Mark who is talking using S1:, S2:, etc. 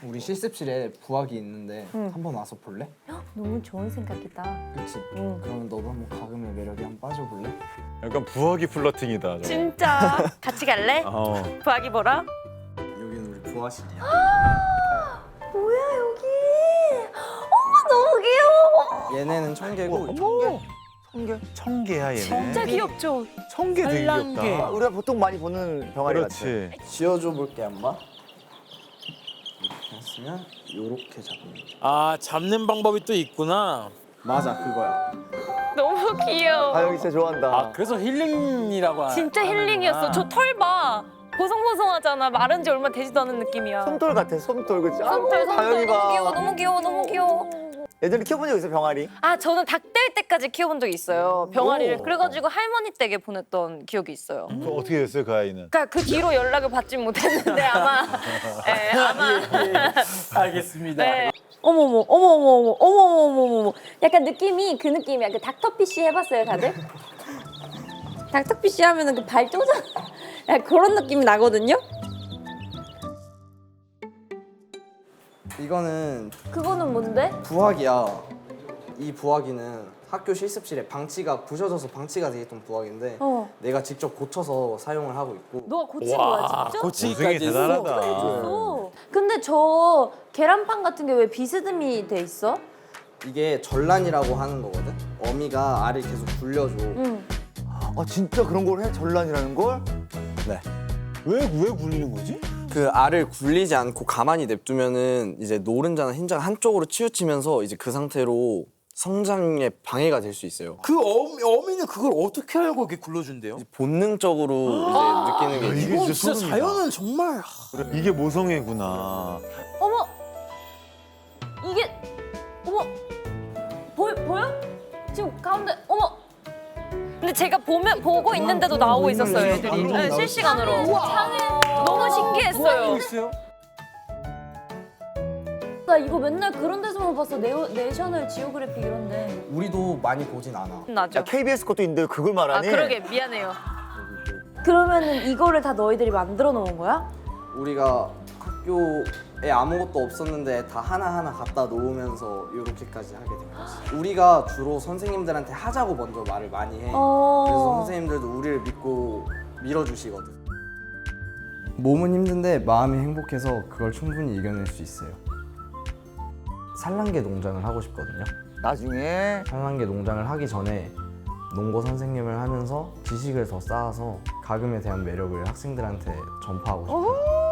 S1: 우리 실습실에 부학이 있는데 한번 와서 볼래?
S2: 너무 좋은 생각이다.
S1: 그치? 그러면 너도 한번 가금의 매력에 한번 빠져볼래?
S3: 약간 부하기 플러팅이다. 저거.
S2: 진짜 같이 갈래? 부하기 보러?
S1: 여기는 우리 부하실이야.
S2: 뭐야 여기? 어머 너무 귀여워.
S1: 얘네는 청개고
S3: 청개야 얘네.
S2: 진짜 귀엽죠?
S3: 청개 되게 귀엽다.
S4: 우리가 보통 많이 보는 병아리 같아.
S3: 그렇지.
S1: 지어줘 볼게 한번. 이렇게 했으면 요렇게 잡는 거야.
S5: 아 잡는 방법이 또 있구나.
S1: 맞아 그거야.
S2: 너무 귀여워.
S4: 다영이 진짜 좋아한다.
S5: 아 그래서 힐링이라고
S2: 진짜 힐링이었어. 저 털 봐. 보송보송하잖아. 마른 지 얼마 되지도 않은 느낌이야.
S4: 솜털 같아, 솜털. 그치?
S2: 솜털
S4: 다영이가.
S2: 너무 귀여워. 너무 귀여워. 너무 귀여워.
S4: 예전에 키워본 적 있어, 병아리?
S2: 아 저는 닭 될 때까지 키워본 적이 있어요. 병아리를. 그래가지고 할머니 댁에 보냈던 기억이 있어요.
S3: 그 어떻게 됐어요 그 아이는?
S2: 그러니까 그 뒤로 연락을 받지 못했는데 아마 네, 아마
S5: 알겠습니다.
S2: 네. 어머머 어머머머 어머머머머 약간 느낌이 그 느낌이야. 그 닥터피쉬 해봤어요 다들? 닥터피쉬 하면은 그 발 쪼잔 그런 느낌이 나거든요.
S1: 이거는
S2: 그거는 뭔데?
S1: 부학이야. 이 부학이는 학교 실습실에 방치가 부셔져서 방치가 돼 있던 부학인데 내가 직접 고쳐서 사용을 하고 있고.
S2: 너가 고친 거야 진짜?
S3: 고생이
S5: 고치기까지
S3: 대단하다.
S2: 어. 근데 저 계란빵 같은 게 왜 비스듬히 돼 있어?
S1: 이게 전란이라고 하는 거거든. 어미가 알을 계속 굴려줘.
S2: 응.
S4: 아, 진짜 그런 걸 해? 전란이라는 걸?
S1: 네.
S3: 왜 굴리는 거지?
S1: 그 알을 굴리지 않고 가만히 냅두면은 이제 노른자나 흰자가 한쪽으로 치우치면서 이제 그 상태로 성장에 방해가 될 수 있어요.
S5: 그 어미는 그걸 어떻게 알고 이렇게 굴러준대요?
S1: 본능적으로 이제 느끼는 게
S3: 이게
S5: 이건
S3: 진짜
S5: 진짜
S3: 소름이다.
S5: 자연은 정말
S3: 이게 모성애구나.
S2: 어머 이게 어머 보여? 지금 가운데 어머. 근데 제가 보고 있는데도 나오고 있었어요 애들이. 네, 실시간으로. 너무 신기했어요.
S5: 있어요?
S2: 나 이거 맨날 그런 데서만 봤어. 내셔널 지오그래픽 이런데.
S1: 우리도 많이 보진 않아.
S2: 나죠.
S4: 야, KBS 것도 있는데 그걸 말하니?
S2: 그러게 미안해요. 그러면은 이거를 다 너희들이 만들어 놓은 거야?
S1: 우리가 학교에 아무것도 없었는데 다 하나하나 갖다 놓으면서 이렇게까지 하게 된 거지. 우리가 주로 선생님들한테 하자고 먼저 말을 많이 해. 그래서 선생님들도 우리를 믿고 밀어주시거든. 몸은 힘든데 마음이 행복해서 그걸 충분히 이겨낼 수 있어요. 산란계 농장을 하고 싶거든요.
S4: 나중에
S1: 산란계 농장을 하기 전에 농고 선생님을 하면서 지식을 더 쌓아서 가금에 대한 매력을 학생들한테 전파하고 싶어요.